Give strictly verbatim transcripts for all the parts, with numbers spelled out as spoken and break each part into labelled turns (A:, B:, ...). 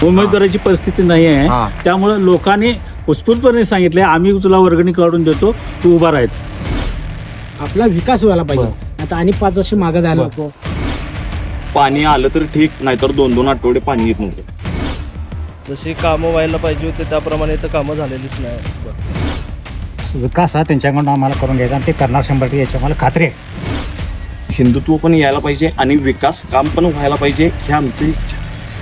A: उमेदवाराची परिस्थिती नाही आहे. त्यामुळे लोकांनी उत्स्फूर्तपणे सांगितले आम्ही तुला वर्गणी काढून देतो, तू उभा राहायचं.
B: आपला विकास व्हायला पाहिजे. आता आणि पाच वर्ष मागे जायला नको.
C: पाणी आलं तर ठीक, नाहीतर दोन दोन आठवडे पाणी येत नव्हतं.
D: जशी कामं व्हायला पाहिजे होते त्याप्रमाणे तर कामं झालेलीच नाही.
E: विकास हा त्यांच्याकडून आम्हाला करून घ्यायचा आणि ते करणार शंभर टक्के, याची आम्हाला खात्री आहे.
C: हिंदुत्व पण यायला पाहिजे आणि विकास काम पण व्हायला पाहिजे, ही आमची इच्छा.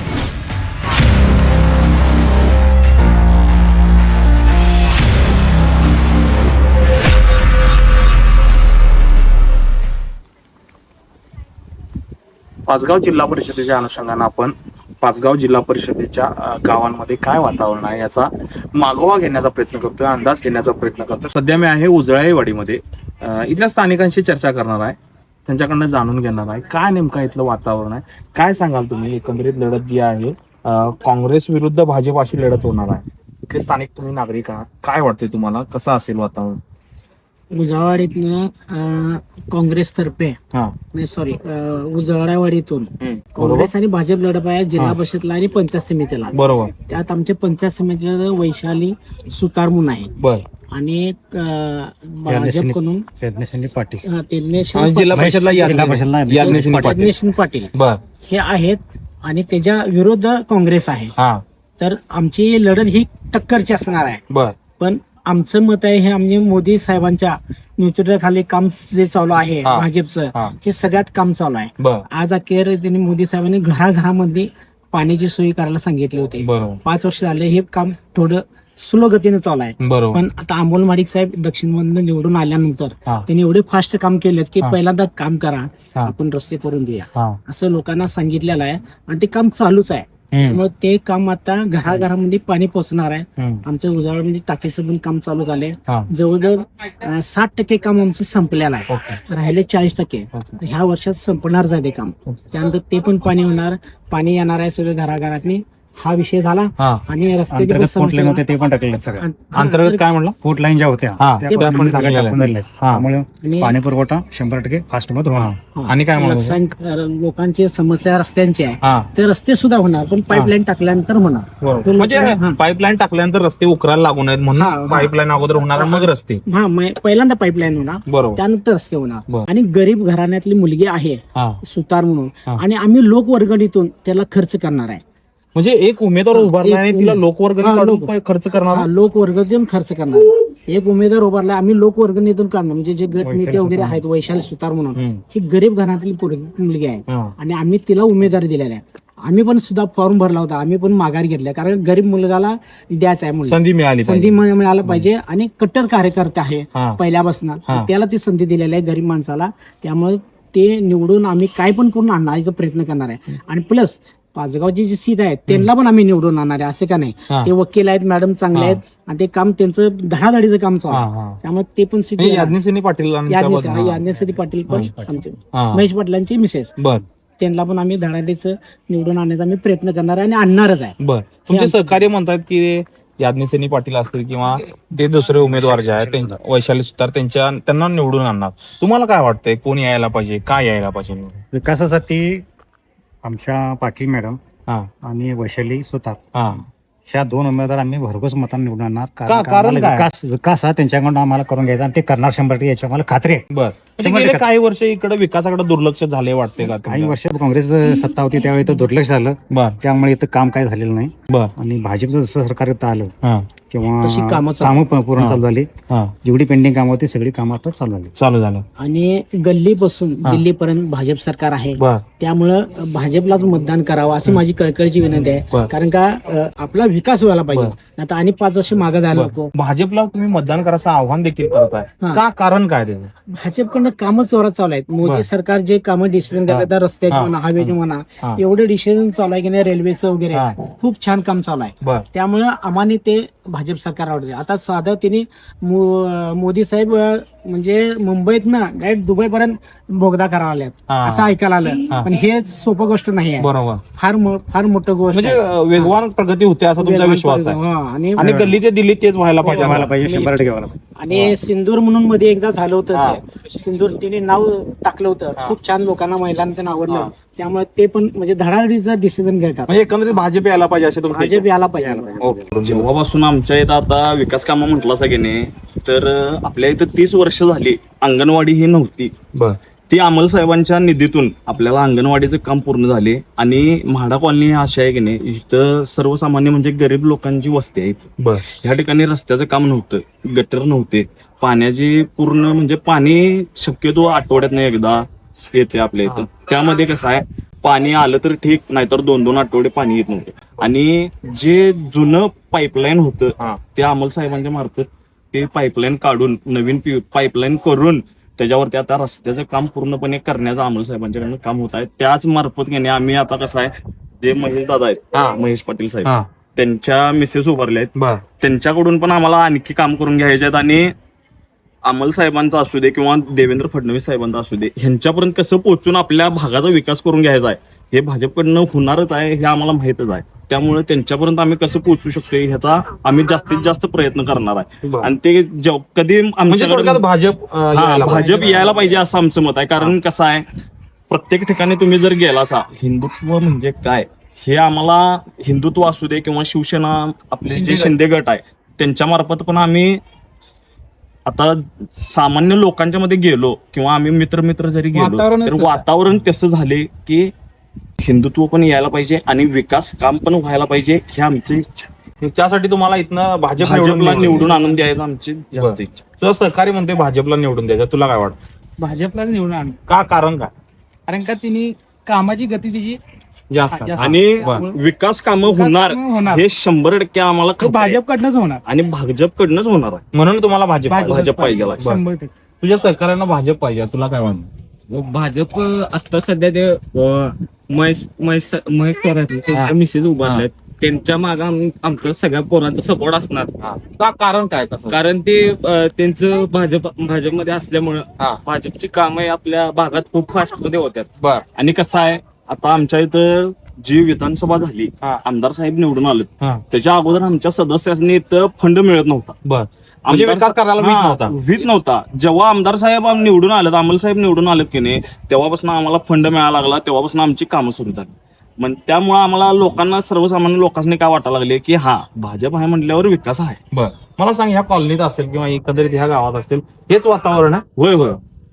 C: पाचगाव जिल्हा परिषदेच्या अनुषंगानं आपण पाचगाव जिल्हा परिषदेच्या गावांमध्ये काय वातावरण आहे याचा मागोवा घेण्याचा प्रयत्न करतोय, अंदाज घेण्याचा प्रयत्न करतोय. सध्या मी आहे उजळाईवाडीमध्ये. इथल्या स्थानिकांशी चर्चा करणार आहे, त्यांच्याकडनं जाणून घेणार आहे काय नेमका इथलं वातावरण आहे. काय सांगाल तुम्ही, एकंदरीत लढत जी आहे काँग्रेस विरुद्ध भाजप अशी लढत होणार आहे. इथले स्थानिक तुम्ही नागरिक आहात, काय वाटते तुम्हाला, कसं असेल वातावरण?
B: उजावाडीतनं काँग्रेसतर्फे नाही सॉरी उजावाडीतून काँग्रेस आणि भाजप लढत आहे जिल्हा परिषदला आणि पंचायत समितीला.
C: बरोबर.
B: त्यात आमच्या पंचायत समितीला वैशाली सुतार म्हणून आहे.
C: बर.
B: आणि भाजपकडून
E: पाटील,
C: जिल्हा परिषदला
B: यज्ञेश पाटील हे आहेत आणि त्याच्या विरुद्ध काँग्रेस आहे. तर आमची लढत ही टक्करची असणार आहे.
C: बर.
B: पण आमचं मत आहे हे आम्ही मोदी साहेबांच्या नेतृत्वाखाली काम जे चालू आहे भाजपचं, हे सगळ्यात काम चालू आहे. आज अखेर त्यांनी मोदी साहेबांनी घराघरामध्ये पाण्याची सोय करायला सांगितली होती. पाच वर्ष झाले हे काम थोडं स्लो गतीने चालू आहे. पण आता अमोल माडिक साहेब दक्षिण मधून निवडून आल्यानंतर त्यांनी एवढे फास्ट काम केलेत की पहिल्यांदा काम करा, आपण रस्ते करून देऊया असं लोकांना सांगितलेलं आहे आणि ते काम चालूच आहे. त्यामुळे ते काम आता घराघरामध्ये पाणी पोहोचणार आहे. आमच्या उजाळमध्ये टाकीचं पण काम चालू झालंय. जवळजवळ साठ टक्के काम आमचं संपलेलं आहे. राहिले चाळीस टक्के ह्या वर्षात संपणारच आहे ते काम. त्यानंतर ते पण पाणी होणार, पाणी येणार आहे सगळं घराघरातनी. हा विषय झाला. आणि रस्ते
E: ते पण टाकले
C: अंतर्गत काय म्हणलं,
E: फूट लाईन ज्या होत्या त्यामुळे पाणी पुरवठा शंभर टक्के फास्ट मध्ये होणार.
C: आणि काय म्हणलं,
B: लोकांची समस्या रस्त्यांची आहे, ते रस्ते सुद्धा होणार, पण पाईपलाईन टाकल्यानंतर होणार.
C: म्हणजे पाईपलाईन टाकल्यानंतर रस्ते उकरायला लागू नयेत म्हणून पाईपलाईन अगोदर होणार, मग रस्ते.
B: हा, पहिल्यांदा पाईपलाईन होणार, त्यानंतर रस्ते होणार. आणि गरीब घराण्यातली मुलगी आहे सुतार म्हणून, आणि आम्ही लोकवर्गणीतून त्याला खर्च करणार आहे.
C: म्हणजे एक उमेदवार उभारला आणि तिला लोकवर्गणी खर्च करणार,
B: लोकवर्गणीतून खर्च करणार. एक उमेदवार उभारला, आम्ही लोकवर्गणीतून करणार. म्हणजे जे गट नेते वगैरे आहेत, वैशाली सुतार म्हणून, ही गरीब घराण्यातली मुलगी आहे आणि आम्ही तिला उमेदवारी दिलेला आहे. आम्ही पण सुद्धा फॉर्म भरला होता, आम्ही पण माघार घेतला, कारण गरीब मुलगाला द्यायचं आहे म्हणून
C: संधी मिळाली
B: संधी मिळायला पाहिजे. आणि कट्टर कार्यकर्ता आहे पहिल्यापासून, त्याला ती संधी दिलेली आहे गरीब माणसाला. त्यामुळे ते निवडून आम्ही काय पण करून आणण्याचा प्रयत्न करणार आहे. आणि प्लस पाचगावची जी सीट आहे त्यांना पण आम्ही निवडून आणणार आहे, असे का नाही. ते वकील आहेत, मॅडम चांगले आहेत आणि ते काम त्यांचं धडाधडीचं काम चालू आहे. त्यामुळे ते पण सीट
C: याज्ञसेनी पाटील
B: याज्ञसेनी पाटील पण आमचे महेश पाटलांची मिसेस, त्यांना पण आम्ही धडाधडीचं निवडून आणण्याचा आम्ही प्रयत्न करणार आहे आणि आणणारच आहे.
C: बरं. तुमचे सहकार्य म्हणतात की याज्ञसेनी पाटील असतील किंवा ते दुसरे उमेदवार जे आहेत वैशाली सुतार, त्यांच्या त्यांना निवडून आणणार. तुम्हाला काय वाटतंय, कोण यायला पाहिजे, काय यायला पाहिजे?
E: विकासासाठी आमच्या पाटील मॅडम आणि वैशाली सुतार ह्या दोन उमेदवार आम्ही भरघोस मतांनी निवडून आणणार. कारण विकास विकास हा त्यांच्याकडून आम्हाला करून घ्यायचा आणि ते करणार शंभर टक्के, याची आम्हाला खात्री आहे.
C: बरं. काही वर्ष इकडे विकासाकडे दुर्लक्ष झाले वाटते का?
E: काही वर्ष काँग्रेस सत्ता होती त्यावेळी तर दुर्लक्ष झालं, त्यामुळे इथं काम काय झालेलं नाही. आणि भाजपचं जसं सरकार इथं आलं किंवा कामं पूर्ण चालू झाली, जेवढी पेंडिंग कामं होती सगळी कामं आता चालू झाली
C: चालू झालं
B: आणि गल्लीपासून दिल्लीपर्यंत भाजप सरकार आहे. त्यामुळं भाजपलाच मतदान करावं अशी माझी कळकळीची विनंती आहे. कारण का आपला विकास व्हायला पाहिजे, आता आणि पाच वर्ष मागे जायला नको.
C: भाजपला तुम्ही मतदान करायचं आव्हान देखील करताय का? कारण काय त्याचं?
B: भाजपकडनं कामं जोरात चालू आहेत. मोदी सरकार जे कामं डिसिजन करतात, रस्त्याचे म्हणा, हवेचे म्हणा, एवढे डिसिजन चालू आहे की नाही, रेल्वेचं वगैरे खूप छान काम चालू आहे. त्यामुळं आम्हाला ते भाजप सरकार आवडते. आता साधं त्यांनी मोदी साहेब म्हणजे मुंबईत ना डायरेक्ट दुबई पर्यंत बोगदा करायला आल्यात
C: हा.
B: असं ऐकायला आलं, पण हे सोपं गोष्ट नाही आहे.
C: बरोबर.
B: फार मो- फार मोठं गोष्ट
C: म्हणजे
B: आहे.
C: अं, वेगवान प्रगती होते असा तुमचा
B: वेगवान
C: विश्वास आहे.
B: हा, आणि
C: आणि गल्ली ते दिल्लीत तेच व्हायला पाहिजे
E: व्हायला
C: असं.
E: पाहिजे, शंभर टक्के व्हायला पाहिजे.
B: आणि सिंदूर म्हणून मध्ये एकदा झालं होतं, सिंदूर तिने नाव टाकलं होतं, खूप छान लोकांना महिलांना त्यांना आवडलं, त्यामुळे ते पण म्हणजे धडाडीचं डिसिजन घेतात.
C: म्हणजे एकंदरीत भाजप यायला पाहिजे असे तुमचे
B: भाजप यायला पाहिजे.
C: ओके.
F: जेव्हापासून आमच्या इथं आता विकास कामं म्हटलं सगळ्यांनी, तर आपल्या इथं तीस वर्ष झाली अंगणवाडी ही नव्हती.
C: बर
F: ती अमल साहेबांच्या निधीतून आपल्याला अंगणवाडीचं काम पूर्ण झाले. आणि म्हाडा कॉलनी ही अशी आहे की नाही, इथं सर्वसामान्य म्हणजे गरीब लोकांची वस्ती आहे.
C: बर
F: ह्या ठिकाणी रस्त्याचं काम नव्हतं, गटर नव्हते, पाण्याची पूर्ण म्हणजे पाणी शक्यतो आठवड्यातनं एकदा येते आपल्या इथं. त्यामध्ये कसं आहे, पाणी आलं तर ठीक, नाहीतर दोन दोन आठवडे पाणी येत नव्हतं. आणि जे जुनं पाईपलाईन होतं ते अमल साहेबांच्या मार्फत ते पाईपलाईन काढून नवीन पाईपलाईन करून त्याच्यावरती आता रस्त्याचं काम पूर्णपणे करण्याचं अमल साहेबांच्याकडनं काम होत आहे. त्याच मार्फत घेणे आम्ही आता कसं आहे, जे महेश दादा आहेत, महेश पाटील साहेब, त्यांच्या मिसेस उभारल्या आहेत,
C: बर
F: त्यांच्याकडून पण आम्हाला आणखी काम करून घ्यायचे आहेत. आणि अमल साहेबांचा असू दे किंवा देवेंद्र फडणवीस साहेबांचा असू दे, ह्यांच्यापर्यंत कसं पोहोचून आपल्या भागाचा विकास करून घ्यायचा आहे हे भाजपकडनं होणारच आहे, हे आम्हाला माहितच आहे. त्यामुळे त्यांच्यापर्यंत आम्ही कसं पोहोचू शकतो ह्याचा आम्ही जास्तीत जास्त प्रयत्न करणार आहे. आणि ते जेव- कधी
C: म्हणजे
F: आमच्याकडे
C: थोडक्यात भाजप अं,
F: हा
C: यायला पाहिजे.
F: भाजप यायला पाहिजे असं आमचं मत आहे. कारण कसं आहे, प्रत्येक ठिकाणी तुम्ही जर गेला असा, हिंदुत्व म्हणजे काय हे आम्हाला, हिंदुत्व असू दे किंवा शिवसेना आपले जे शिंदे गट आहे त्यांच्या मार्फत पण आम्ही आता सामान्य लोकांच्या मध्ये गेलो किंवा आम्ही मित्र मित्र जरी गेलो
B: वातावरणच
F: तर
B: तसं आहे.
F: वातावरण तसं झाले की हिंदुत्व पण यायला पाहिजे आणि विकास काम पण व्हायला पाहिजे ही आमची इच्छा.
C: त्यासाठी तुम्हाला इथनं भाजप
F: भाजपला
C: निवडून
F: निवडून आणून द्यायचं आमची जास्त
C: बरं.
F: इच्छा.
C: तुझं सहकारी म्हणते भाजपला निवडून द्यायचं, तुला काय वाटतं?
B: भाजपला निवडून आण,
C: का कारण काय
B: कारण का तिने कामाची गती तिची
C: जास्त
B: जास्त.
F: आणि
C: बरं.
F: विकास कामं
B: विकास
F: होणार
B: कामं होणार.
F: हे शंभर टक्के आम्हाला
B: तो
F: खात्री आहे.
B: भाजपकडनंच होणार.
F: आणि भाजपकडनंच होणार आहे.
C: म्हणून तुम्हाला भाजप पाहिजे.
F: भाजप पाहिजे.
B: शंभर टक्के.
C: तुझ्या सहकार्यांना भाजप पाहिजे, तुला काय वाटतं?
G: भाजप आता सध्या ते अं, महेश महेश महेश थोरात मिसेस उभारलेत, त्यांच्या मागे आमचा सगळ्या पोरांचा सपोर्ट असणार.
C: का कारण काय तसं?
G: कारण ते अं, त्यांचं भाजप भाजपमध्ये असल्यामुळं
C: हा.
G: भाजपची कामं आपल्या भागात खूप फास्ट मध्ये होत्यात.
C: बर
F: आणि कसं आहे, आता आमच्या इथं जी विधानसभा झाली,
C: हा.
F: आमदार साहेब निवडून आले,
C: हा.
F: त्याच्या अगोदर आमच्या सदस्यांनी इथं फंड मिळत नव्हता.
C: बर म्हणजे
F: आमदार
C: विकास करायला वीज
F: हा,
C: नव्हता.
F: वीज नव्हता. जेव्हा आमदार साहेब आम- निवडून आलेत, अमल साहेब निवडून आलेत की नाही, तेव्हापासून आम्हाला फंड मिळायला लागला, तेव्हापासून आमची कामं सुरू झाली. मग त्यामुळे आम्हाला लोकांना, सर्वसामान्य लोकांनी काय वाटायला लागले की हा भाजप आहे म्हटल्यावर विकास आहे.
C: बर मला सांग, ह्या कॉलनीत असेल किंवा एकंदरीत ह्या गावात असेल हेच वातावरण आहे?
F: होय होय.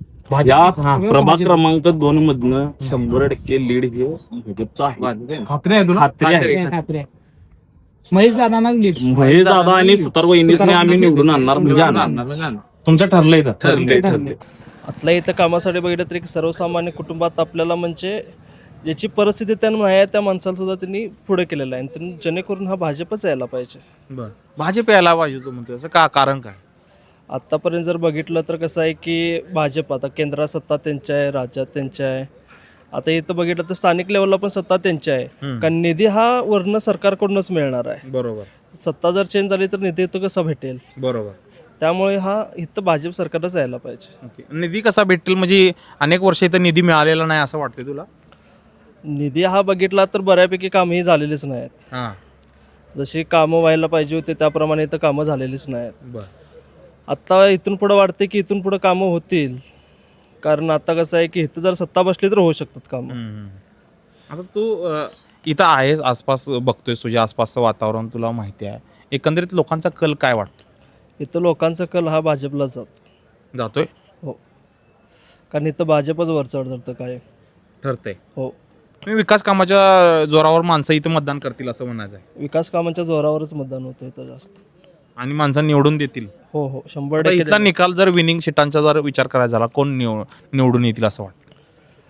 F: या
C: हा.
F: प्रभाग क्रमांक दोन मधनं शंभर टक्के लीड हे भाजपचं आहे.
C: खात्री आहे तुला?
F: खात्री आहे.
B: हे खात्री आहे. महेश दादांना लीड.
F: महेश दादा आणि सुतार वहिनीसने आम्ही निवडून आणणार म्हणजे आणणार.
C: तुमचं ठरलंय तर?
F: ठरले ठरले.
D: आतल्या इथं कामासाठी बघितलं तरी सर्वसामान्य कुटुंबात आपल्याला म्हणजे ज्याची परिस्थिती त्यांना नाही आहे त्या माणसाला सुद्धा त्यांनी पुढे केलेलं आहे. आणि त्यांनी जेणेकरून हा भाजपच यायला पाहिजे.
C: बर भाजप यायला पाहिजे तू म्हणतोय, असं का कारण काय?
D: आत्तापर्यंत जर बघितलं तर कसं आहे की भाजप आता केंद्रात सत्ता त्यांच्या आहे, राज्यात त्यांच्या आहे. आता इथं बघितलं तर स्थानिक लेवलला पण सत्ता त्यांच्या आहे. कारण निधी हा वर्ण सरकारकडूनच मिळणार आहे.
C: बरोबर
D: सत्ता जर चेंज झाली तर निधी तो कसा भेटेल?
C: बरोबर.
D: त्यामुळे हा इथं भाजप सरकारच यायला पाहिजे.
C: ओके. निधी कसा भेटेल म्हणजे अनेक वर्ष इथं निधी मिळालेला नाही असं वाटतंय तुला?
D: निधी हा बघितला तर बऱ्यापैकी कामंही झालेलीच नाहीत.
C: हा
D: जशी कामं व्हायला पाहिजे होते त्याप्रमाणे इथं कामं झालेलीच नाहीत.
C: बर
D: आत्ता इथून पुढं वाटते की इथून पुढं कामं होतील. कारण आता कसं आहे की इथं जर सत्ता बसली तर होऊ शकतात कामं.
C: आता तू अ, इथं आहेस, आसपास बघतोयस, तुझ्या आसपासचं वातावरण तुला माहिती आहे, एकंदरीत लोकांचा कल काय वाटतो?
D: इथं लोकांचा कल हा भाजपला जातो.
C: जातोय
D: हो, कारण इथं भाजपच वर चढ धरतं काय.
C: ठरतंय.
D: हो,
C: मी विकास कामाच्या जोरावर माणसं इथं मतदान करतील असं म्हणायचं आहे,
D: विकास कामांच्या जोरावरच मतदान होतं इथं जास्त.
C: आणि माणसं निवडून देतील.
D: हो हो, शंभर
C: आता
D: टक्के
C: इथला निकाल जर विनिंग सीटांचा जर विचार करायचा झाला, कोण निव निवडून येतील असं वाटतं?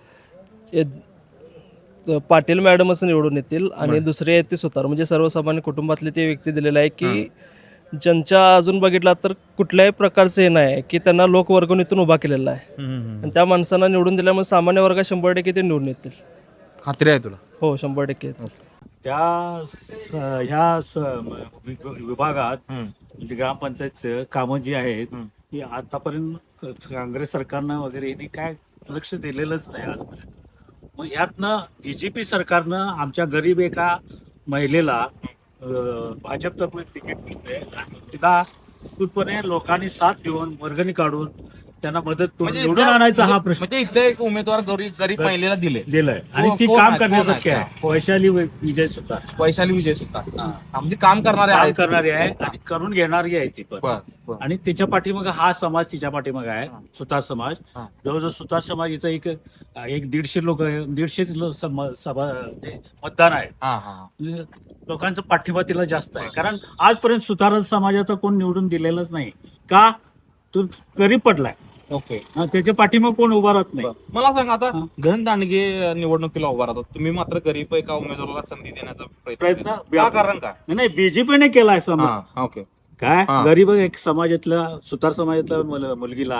D: ए- पाटील मॅडमच निवडून येतील. आणि दुसरे आहेत ते सुतार, म्हणजे सर्वसामान्य कुटुंबातले ते व्यक्ती दिलेले आहे की ज्यांच्या अजून बघितला तर कुठल्याही प्रकारचं हे नाही की त्यांना लोक वर्गणीतून उभा केलेला आहे. आणि त्या माणसांना निवडून दिल्यामुळे सामान्य वर्गात शंभर टक्के ते निवडून येतील.
C: खात्री आहे तुला?
D: हो, शंभर टक्के येतील.
A: त्या स- ह्या स- वि- विभागात म्हणजे ग्रामपंचायतचं कामं जी आहेत ही आतापर्यंत काँग्रेस सरकारनं वगैरे यांनी काय लक्ष दिलेलंच नाही आजपर्यंत. मग यातनं बीजेपी सरकारनं आमच्या गरीब एका महिलेला अं, भाजपतर्फे तिकीट मिळते आणि तिला उत्स्फूर्तपणे लोकांनी साथ देऊन वर्गणी काढून त्यांना मदत करून
C: म्हणजे
A: निवडून
C: त्या-
A: आणायचा हा
C: म्हणजे-
A: प्रश्न
C: म्हणजे इथले एक उमेदवार गरीब गरीब महिलेला दिले
A: दिलाय आणि ती
C: कोण
A: काम
C: आहे? कोण
A: करण्यासारखी
C: आहे?
A: आहे. वैशाली वै- विजय सुद्धा
C: वैशाली विजय सुद्धा म्हणजे काम करणारे
A: काम
C: आहेत.
A: करणारी आहे आणि करून घेणारी आहे ती पण.
C: बर, बर.
A: आणि तिच्या पाठीमाग हा समाज तिच्या पाठीमाग आहे सुतार समाज.
C: हा.
A: जवळजवळ सुतार समाज इथं एक एक दीडशे लोक दीडशे लो- सम- सभा म्हणजे मतदान आहे.
C: हा, हा, हा.
A: म्हणजे लोकांचा पाठिंबा तिला जास्त आहे कारण आजपर्यंत सुतार समाजाचा कोण निवडून दिलेलाच नाही का तो गरीब पडलाय.
C: ओके
A: हा, त्याच्या पाठीमाग कोण उभा राहत नाही.
C: मला सांगा आता
A: हा.
C: धन दांडगे निवडणुकीला उभा राहतात तुम्ही मात्र गरीब एका उमेदवाराला संधी देण्याचा प्रयत्न
A: प्रयत्न
C: केला. का कारण काय
A: नाही बीजेपीने केलाय समाज.
C: हा, ओके
A: काय
C: हा.
A: गरीब एक समाजातल्या सुतार समाजातल्या मुल- मुलगीला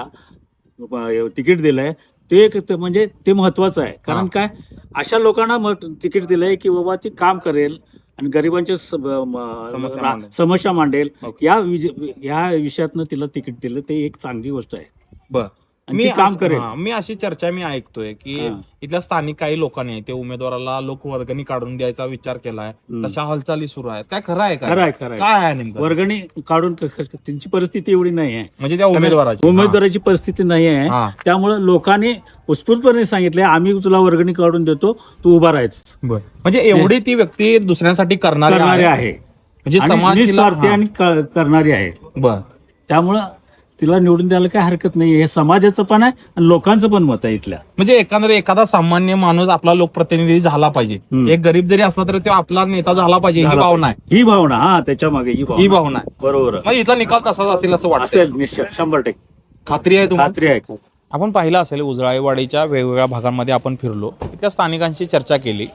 A: ब- तिकीट दिलंय ते एक ते म्हणजे ते महत्वाचं आहे कारण
C: हा.
A: काय अशा लोकांना मत तिकीट दिलंय की बाबा ती काम करेल आणि गरिबांच्या स- ब- म-
C: समस्या
A: रा-
C: मांडेल.
A: समस्या मांडेल.
C: ओके.
A: या विज- या विषयातनं तिला तिकीट दिलं ते एक चांगली गोष्ट आहे
C: बर
A: आणि ती काम
C: अशी-
A: करेल.
C: हा, मी अशी चर्चा मी ऐकतोय की
A: हा.
C: इथल्या स्थानिक काही लोकांनी ते उमेदवाराला लोकवर्गणी काढून द्यायचा विचार केलाय
A: हम्म.
C: तशा हालचाली सुरू आहेत काय खरं आहे का
A: खरं आहे खरं आहे.
C: काय आहे नेमकं
A: वर्गणी काढून क- क- त्यांची परिस्थिती एवढी नाही आहे.
C: म्हणजे त्या उमेदवाराची
A: उमेदवाराची परिस्थिती नाही आहे
C: हा.
A: त्यामुळे लोकांनी उत्स्फूर्तपणे सांगितले आम्ही तुला वर्गणी काढून देतो तू उभा राहायचं
C: बर म्हणजे एवढी ती व्यक्ती दुसऱ्यांसाठी करणारी
A: करणारी
C: आहे
A: आहे
C: म्हणजे
A: आणि
C: समाज तिला-
A: निस्वार्थी
C: हा.
A: आणि क- करणारी आहे.
C: बर
A: त्यामुळं तिला निवडून द्यायला काय हरकत नाही. हे समाजाचं पण आहे आणि लोकांचं पण मत आहे इथल्या.
C: म्हणजे एखादा एखादा सामान्य माणूस आपला लोकप्रतिनिधी झाला पाहिजे
A: हम्म.
C: एक गरीब जरी असला तरी तो आपला नेता झाला पाहिजे ही
A: झाला
C: भावना आहे
A: ही भावना हा त्याच्या मागे ही
C: ही
A: भावना
C: भावना आहे
A: बरोबर आहे.
C: मग इथला निकाल तसाच असेल असं वाटतं
A: असेल निश्चित शंभर टक्के
C: खात्री आहे तुम्हाला
A: खात्री आहे.
H: आपण पाहिलं असेल उजळाईवाडीच्या वेगवेगळ्या भागांमध्ये आपण फिरलो इथल्या स्थानिकांशी चर्चा केली.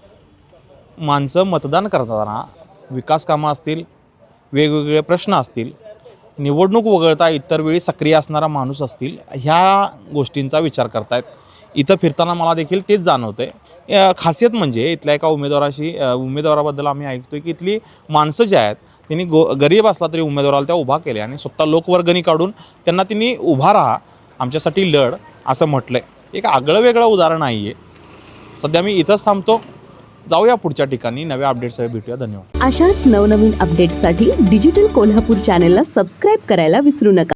H: माणसं मतदान करताना विकास कामं असतील वेगवेगळे प्रश्न असतील निवडणूक वगळता इतर वेळी सक्रिय असणारा माणूस असतील ह्या गोष्टींचा विचार करतायत. इथं फिरताना मला देखील तेच जाणवतंय. खासियत म्हणजे इथल्या एका उमेदवाराशी अ, उमेदवाराबद्दल आम्ही ऐकतोय की इथली माणसं जी आहेत त्यांनी गो गरीब असला तरी उमेदवाराला त्या उभा केल्या आणि स्वतः लोकवर्गणी काढून त्यांना त्यांनी उभा राहा आमच्यासाठी लढ असं म्हटलं आहे. एक आगळं वेगळं उदाहरण नाही आहे. सध्या मी इथंच थांबतो. जाऊया पुढच्या ठिकाणी नव्या अपडेट्ससह भेटूया. धन्यवाद.
I: अशाच नवनवीन अपडेट्ससाठी डिजिटल कोल्हापूर चॅनेलला सबस्क्राईब करायला विसरू नका.